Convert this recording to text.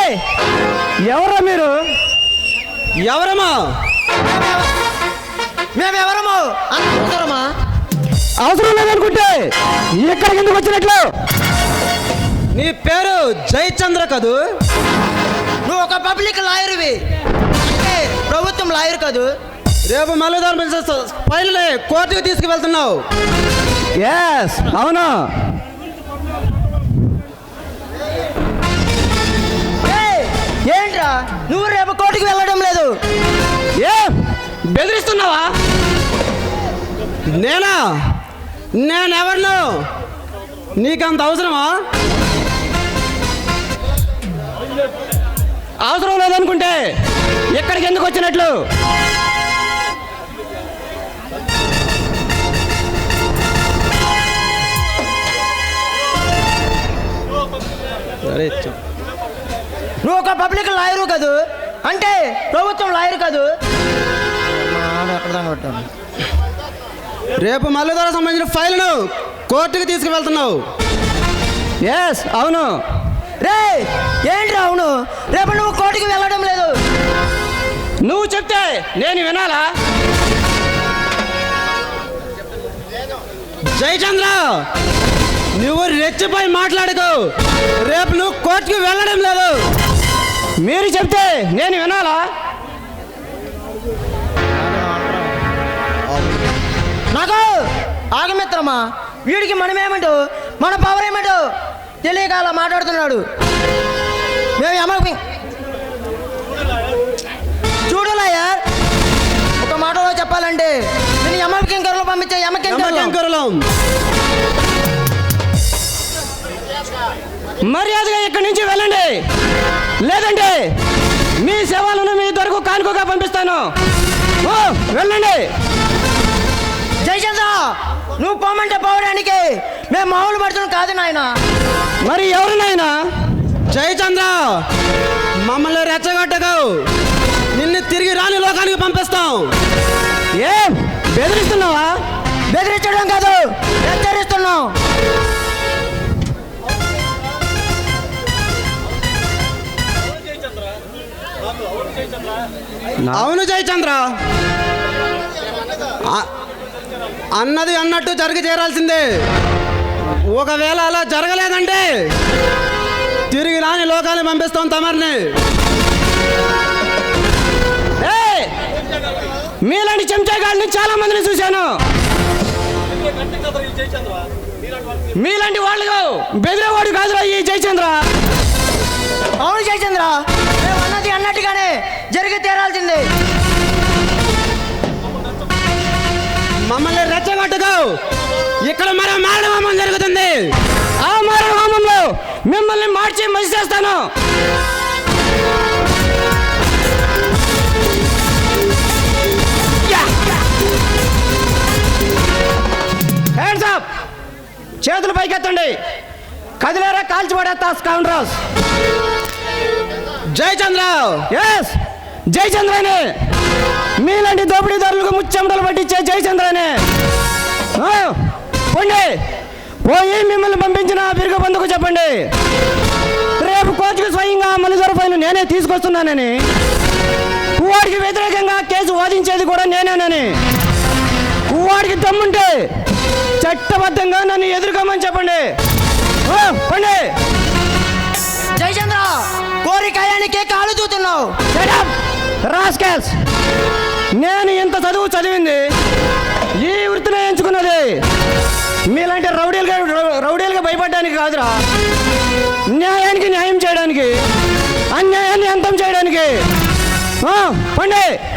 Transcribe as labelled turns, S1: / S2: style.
S1: ఎవరా మీరు?
S2: ఎవరమ్మా?
S3: మేమెవరము అవసరమా?
S1: అవసరం లేదనుకుంటే ఇక్కడికి ఎందుకు వచ్చినట్లు?
S2: నీ పేరు జయచంద్ర కదూ?
S3: నువ్వు ఒక పబ్లిక్ లాయర్వి, అంటే ప్రభుత్వం లాయర్ కాదు.
S2: రేపు మల్లెదారు ఫైల్ని కోర్టుకు తీసుకువెళ్తున్నావు.
S1: ఎస్, అవును.
S3: ఏంట్రా నువ్వు రేపు కోర్టుకు వెళ్ళడం లేదు?
S1: ఏ బెదిరిస్తున్నావా?
S2: నేనెవరిను? నీకంత అవసరమా?
S1: అవసరం లేదనుకుంటే ఎక్కడికి ఎందుకు వచ్చినట్లు?
S3: నువ్వు ఒక పబ్లిక్ లాయరు కాదు, అంటే ప్రభుత్వం లాయర్ కాదు.
S2: రేపు మల్లెదారు సంబంధించిన ఫైల్ను కోర్టుకు తీసుకువెళ్తున్నావు.
S1: ఎస్, అవును.
S3: రే ఏంట్రా అవును? రేపు నువ్వు కోర్టుకు వెళ్ళడం లేదు.
S1: నువ్వు చెప్తే నేను వినాలా?
S2: జయచంద్ర, నువ్వు రెచ్చిపోయి మాట్లాడుకో. రేపు నువ్వు కోర్టుకు వెళ్ళడం లేదు.
S1: మీరు చెప్తే నేను వినాలా?
S3: నాకు ఆగమిత్రమా, వీడికి మనమేమంటూ మన పవర్ ఏమంటూ తెలియక అలా మాట్లాడుతున్నాడు. మేము చూడు లాయర్, ఒక మాటలో చెప్పాలంటే నేను యమకింకరులు పంపించే
S2: యమకింకరులం.
S1: మర్యాదగా ఇక్కడి నుంచి వెళ్ళండి, లేదంటే మీ సేవలను మీ దొరకు కానుకగా పంపిస్తాను. వెళ్ళండి.
S3: జయచంద్ర, నువ్వు పోమంటే పోవడానికి మేము మామూలు పడుతున్నాం కాదు నాయన.
S1: మరి ఎవరు నాయనా?
S2: జయచంద్ర, మమ్మల్ని రెచ్చగొట్టకు. నిన్ను తిరిగి రాని లోకానికి పంపిస్తాం.
S1: ఏం బెదిరిస్తున్నావా?
S3: బెదిరించడం కాదు, హెచ్చరిస్తున్నాం.
S2: అవును జయచంద్ర, అన్నది అన్నట్టు జరిగి చేరాల్సిందే. ఒకవేళ అలా జరగలేదంటే తిరిగి రాని లోకాన్ని పంపిస్తాం తమరిని.
S1: మీలాంటి చెంచాగాళ్ళని చాలా మందిని చూశాను. మీలాంటి వాళ్ళు బెదిరేవాడు కాదురా ఈ జయచంద్ర.
S3: అవును జయచంద్ర, మేము అన్నది అన్నట్టుగానే జరిగి తీరాల్సిందే.
S2: మమ్మల్ని రెచ్చగొట్టుకో. ఇక్కడ మరో మారణ హోమం జరుగుతుంది.
S1: ఆ మారణ హోమంలో మిమ్మల్ని మార్చి మసి చేస్తాను. హ్యాండ్స్ అప్, చేతులు పైకెత్తండి. కదిలేరా కాల్చి పడేస్తా స్కౌండ్రల్స్.
S2: జయచంద్ర.
S1: ఎస్, జయచంద్రనే. మీలాంటి దోపిడీదారులకు ముచ్చెమటలు పట్టించే జయచంద్రనే. పోండి, పోయి మిమ్మల్ని పంపించిన బిరుగు బంధుకు చెప్పండి, రేపు కోర్టుకు స్వయంగా మల్లెదారు ఫైల్ నేనే తీసుకొస్తున్నానని, వాడికి వ్యతిరేకంగా కేసు వాదించేది కూడా నేనేనని, వాడికి దమ్ముంటే చట్టబద్ధంగా నన్ను ఎదుర్కోమని చెప్పండి. పండి.
S3: జయచంద్ర, కోరికాయానికే కాలు దూతున్నావు.
S1: రాస్కెల్స్, నేను ఇంత చదువు చదివింది ఈ వృత్తిని ఎంచుకున్నది మీలాంటి రౌడీలుగా భయపడడానికి కాదురా, న్యాయానికి న్యాయం చేయడానికి, అన్యాయాన్ని అంతం చేయడానికి. పండి.